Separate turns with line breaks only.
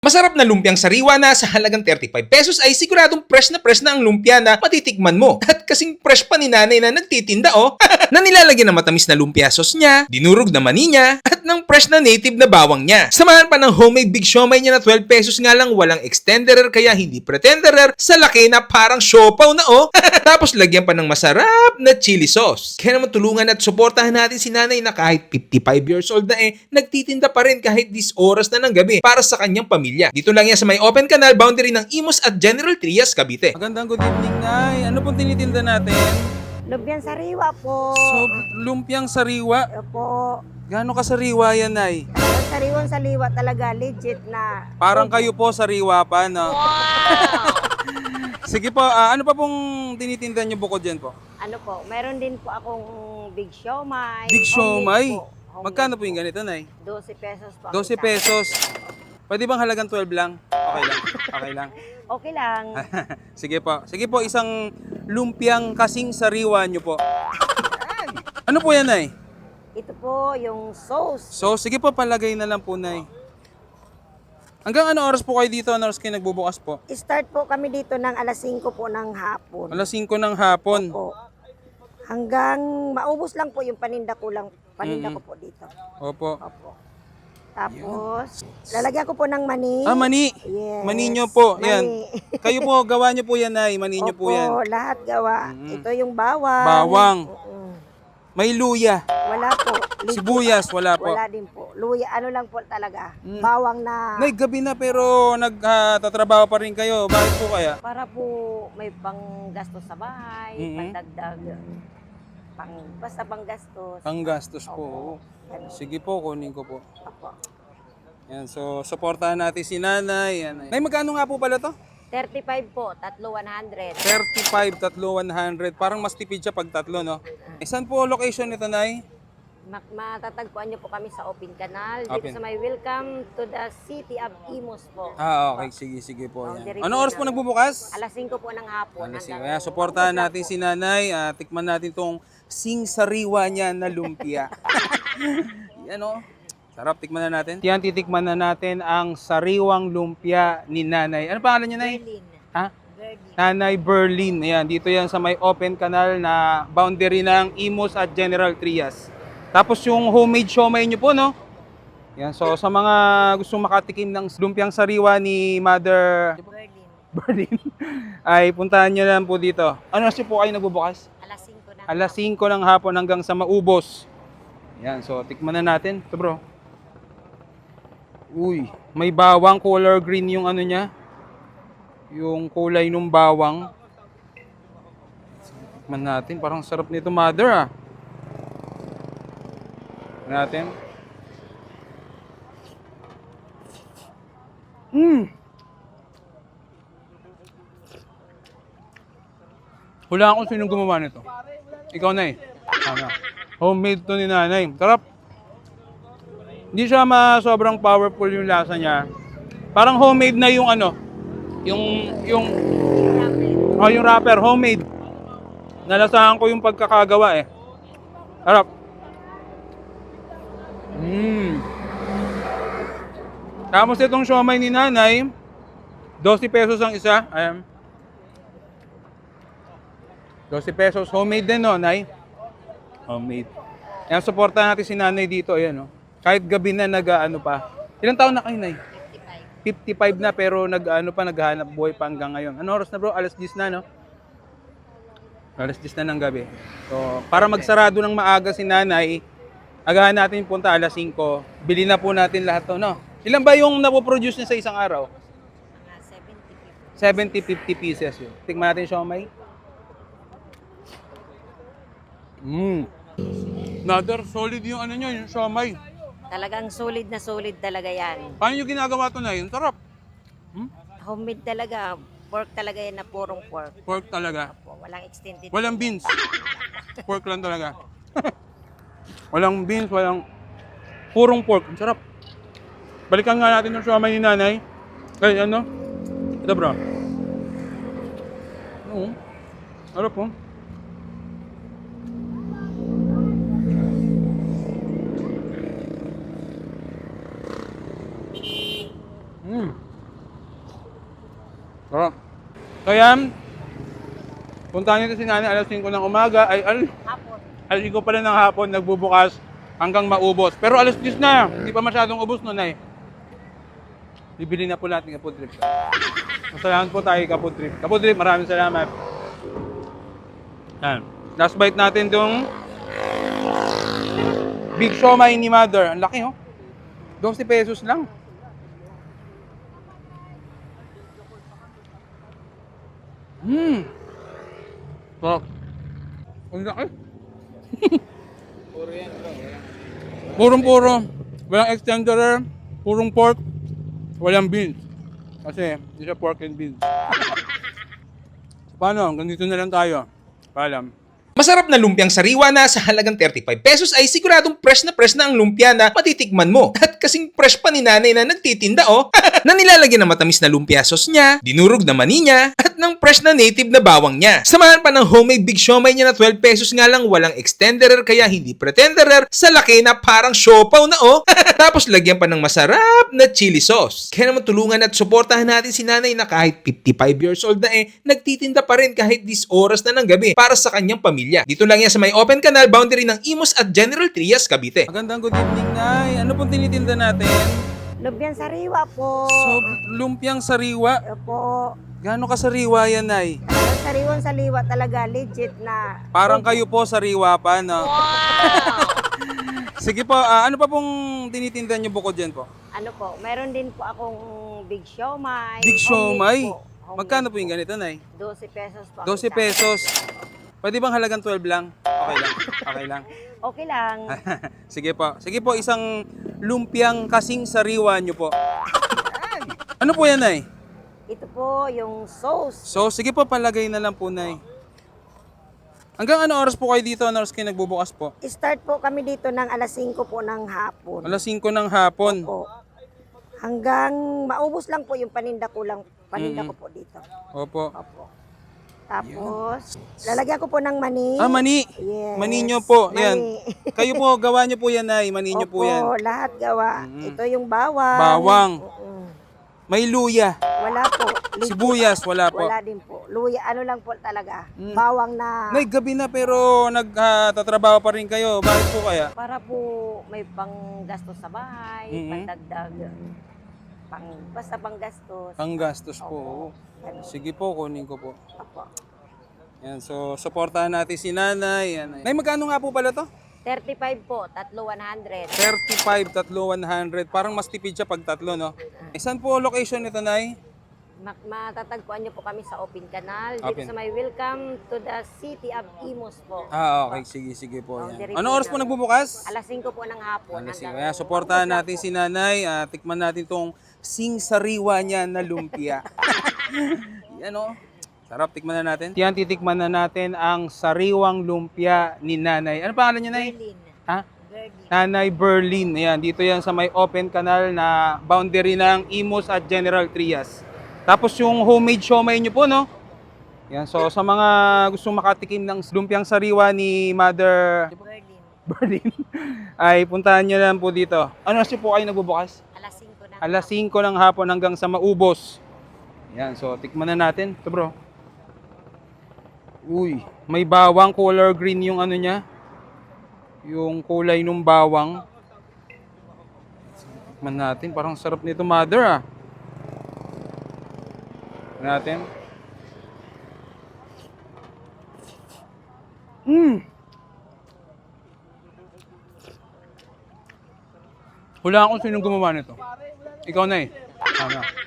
Masarap na lumpiang sariwa na sa halagang 35 pesos ay siguradong fresh na ang lumpia na matitikman mo. At kasing fresh pa ni nanay na nagtitinda na nilalagyan ng matamis na lumpia sauce niya, dinurog na mani niya, at ng fresh na native na bawang niya. Samahan pa ng homemade big siomay niya na 12 pesos nga lang, walang extenderer kaya hindi pretenderer, sa laki na parang siopaw na Tapos lagyan pa ng masarap na chili sauce. Kaya naman tulungan at suportahan natin si nanay na kahit 55 years old na nagtitinda pa rin kahit 10 oras na ng gabi para sa kanyang pamilya. Dito lang yan sa may open canal boundary ng Imus at General Trias, Cavite.
Magandang good evening, Nay. Ano pong tinitinda natin?
Lumpiang sariwa po.
So, lumpiang sariwa.
Opo.
Gaano ka sariwa yan, Nay?
Ang sariwang saliwa talaga, legit na.
Parang kayo po sariwa pa, no?
Wow!
Sige po, ano pa pong tinitinda niyo bukod dyan po?
Ano po, meron din po akong big siomay.
Big siomay?
Homemade po. Homemade
Magkano po yung ganito, Nay?
12 pesos po.
12 pesos. Pwede bang halagang 12 lang? Okay lang. Okay lang.
Okay lang.
Sige po. Sige po, isang lumpiang kasing sariwa niyo po. Ano po yan, Nay?
Ito po yung sauce.
So, sige po, palagay na lang po, Nay. Hanggang ano oras po kayo dito? Ano oras kayo nagbubukas po?
Start po kami dito ng alas 5 po ng hapon.
Alas 5 ng hapon.
Po. Hanggang maubos lang po yung paninda ko ko po dito.
Opo.
Opo. Tapos, lalagyan ko po ng mani.
Mani.
Yes.
Mani nyo po.
Mani.
Yan. Kayo po, gawa nyo po yan, Nay. Mani nyo po yan.
Opo, lahat gawa. Ito yung bawang.
Bawang.
Oo.
May luya.
Wala po.
Sibuyas, wala po.
Wala din po. Luya, ano lang po talaga. Bawang na.
Nay, gabi na pero nagtatrabaho pa rin kayo. Bakit po kaya?
Para po may panggastos sa bahay, pandagdag. Basta panggastos.
Ang gastos po.
Ganun.
Sige po, kunin ko po.
Opo.
Yan, so supportahan natin si Nanay. Yan. Nay, magkano nga po pala to?
35 po, tatlo 100.
35, tatlo 100. Parang mas tipid siya pag tatlo, no? Saan po location nito, Nay?
Matatagpuan niyo po kami sa Open Canal. Dito
Open.
sa may Welcome to the City of Imus po.
Okay. Sige po. Yan.
Boundary
Ano oras po
na.
nagbubukas?
Alas 5 po ng hapon.
Sige,
hanggang
kaya suportahan natin si Nanay. Tikman natin tong sing sariwa niya na lumpia. Yan o. Sarap, tikman na natin. Yan, titikman na natin ang sariwang lumpia ni Nanay. Ano pangalan niya, Nay?
Berlin.
Ha?
Berlin.
Nanay Berlin. Ayan, dito yan sa may open canal na boundary ng Imus at General Trias. Tapos yung homemade siomay nyo po, no? Yan, so sa mga gustong makatikim ng lumpiang sariwa ni Mother
Berlin.
Berlin, ay puntahan nyo lang po dito. Ano na po kayo nagbubukas?
Alas 5 na.
Alas 5 ng hapon hanggang sa maubos. Yan, so tikman na natin. Ito bro. Uy, may bawang, color green yung ano niya. Yung kulay ng bawang. Tikman natin, parang sarap nito, Mother, natin. Wala akong sinong gumawa nito. Ikaw, Nay. Ano? Homemade to ni Nanay. Sarap. Hindi siya sobrang powerful yung lasa niya. Parang homemade na yung ano, yung wrapper, homemade. Nalasahan ko yung pagkakagawa eh. Sarap. Tapos itong siomay ni Nanay, 12 pesos ang isa. Ayan. 12 pesos. Homemade din, no, Nay? Homemade. Ayan, supportahan natin si Nanay dito. Ayan, no? Kahit gabi na nag-ano pa. Ilang taon na kayo, Nay? 55 na pero naghahanap buhay pa hanggang ngayon. Ano oras na, bro? Alas 10 na, no? Alas 10 na ng gabi. So, para magsarado ng maaga si Nanay, agahan natin punta alas 5. Bili na po natin lahat to, no? Ilan ba yung napoproduce niya sa isang araw?
Mga
70, 50 pieces yun. Tingnan natin siomay. Another solid yung ano nyo, yung siomay.
Talagang solid na solid talaga yan.
Paano yung ginagawa to na yun? Sarap.
Homemade talaga. Pork talaga yan na purong pork.
Pork talaga.
Po, walang extended.
Walang beans. Pork lang talaga. Walang beans, walang... Purong pork. Ang sarap. Balikan nga natin yung siomay ni Nanay. Ay, ano? Ito, bro. Oo. Sarap, oh. Sarap. So yan, puntahan nyo si nanay alas 5 ng umaga, alas 5 pala ng hapon, nagbubukas hanggang maubos. Pero alas 10 na, hindi pa masyadong ubos nun ay. Bibili na po natin Kapod Trip. Masalamat po tayo Kapod Trip. Kapod Trip, maraming salamat. Yan. Last bite natin itong Big Siomai ni Mother. Ang laki, oh. 12 pesos lang. Sarap. Ang laki. Purong-puro. Walang extenderer. Purong pork. Walang beans. Kasi hindi siya pork and beans. Paano? Ganito na lang tayo. Paalam.
Masarap na lumpiang sariwa na sa halagang 35 pesos ay siguradong fresh na ang lumpia na matitikman mo. At kasing fresh pa ni nanay na nagtitinda na nilalagyan ng matamis na lumpia sauce niya, dinurog na mani niya, at ng fresh na native na bawang niya. Samahan pa ng homemade big siomai niya na 12 pesos nga lang, walang extenderer kaya hindi pretenderer, sa laki na parang siopaw na Tapos lagyan pa ng masarap na chili sauce. Kaya naman tulungan at suportahan natin si nanay na kahit 55 years old na nagtitinda pa rin kahit 10 oras na ng gabi para sa kanyang pamilya. Dito lang yan sa may open canal boundary ng Imus at General Trias, Cavite.
Magandang good evening, Nay. Ano pong tinitinda natin?
Lumpiang sariwa po.
So, lumpiang sariwa.
Opo.
Gaano ka sariwa yan, Nay?
Sariwang saliwa talaga, legit na.
Parang kayo po sariwa pa, no? Sige po, ano pa pong tinitinda niyo bukod dyan po?
Ano po, meron din po akong big siomai.
Big siomai?
Homemade po. Homemade
Magkano po yung
po.
ganito, Nay?
12 pesos po.
12 pesos. Pwede bang halagang 12 lang? Okay lang. Okay lang.
Okay lang.
Sige po. Sige po, isang lumpiang kasing sariwa niyo po. Ano po yan, Nay?
Ito po yung sauce.
So, sige po, palagay na lang po, Nay. Hanggang ano oras po kayo dito? Ano oras kayo nagbubukas po?
Start po kami dito ng alas 5 po ng hapon.
Alas 5 ng hapon.
Po. Hanggang maubos lang po yung paninda ko lang. Paninda ko po dito.
Opo.
Opo. Tapos, lalagyan ko po ng mani.
Mani.
Yes.
Mani nyo po. Yan.
Mani.
Kayo po, gawa nyo po yan, Nay. Mani nyo po yan.
Opo, lahat gawa. Ito yung bawang.
Bawang.
Mm-mm.
May luya.
Wala po. Legit.
Sibuyas, wala po.
Wala din po. Luya, ano lang po talaga. Bawang na.
Nay, gabi na pero nagtatrabaho pa rin kayo. Bakit po kaya?
Para po may panggastos sa bahay, pandagdag. Basta panggastos.
Ang gastos po.
Ganun.
Sige po, kunin ko po.
Opo.
Yan, so supportahan natin si Nanay. Yan. Nay, magkano nga po pala to?
35 po, tatlo 100.
35, tatlo 100. Parang mas tipid siya pag tatlo, no? Saan po location nito, Nay?
Matatagpuan niyo po kami sa Open Canal. Dito
Open.
sa may Welcome to the City of Imus po.
Okay. Sige po.
Boundary
Yan. Ano
po
oras po
namin.
nagbubukas?
Alas 5 po ng hapon.
Alas 5.
hanggang-
Kaya supportahan natin si Nanay. Tikman natin tong sing-sariwa niya na lumpia. Yan o. Sarap, tikman na natin. Yan, titikman na natin ang sariwang lumpia ni Nanay. Ano pangalan niya, Nay?
Berlin.
Ha?
Berlin.
Nanay Berlin. Ayan, dito yan sa may open canal na boundary ng Imus at General Trias. Tapos yung homemade siomai nyo po, no? Yan, so sa mga gustong makatikim ng lumpiang sariwa ni Mother
Berlin.
Berlin, ay puntahan nyo lang po dito. Ano oras po kayo nagbubukas?
Alas 5 ng
Alas 5 ng hapon hanggang sa maubos. Yan, so tikman na natin. Ito bro. Uy, may bawang, color green yung ano niya. Yung kulay ng bawang. Tikman natin, parang sarap nito, Mother natin. Wala akong sinong gumawa nito. Ikaw na eh. Tama.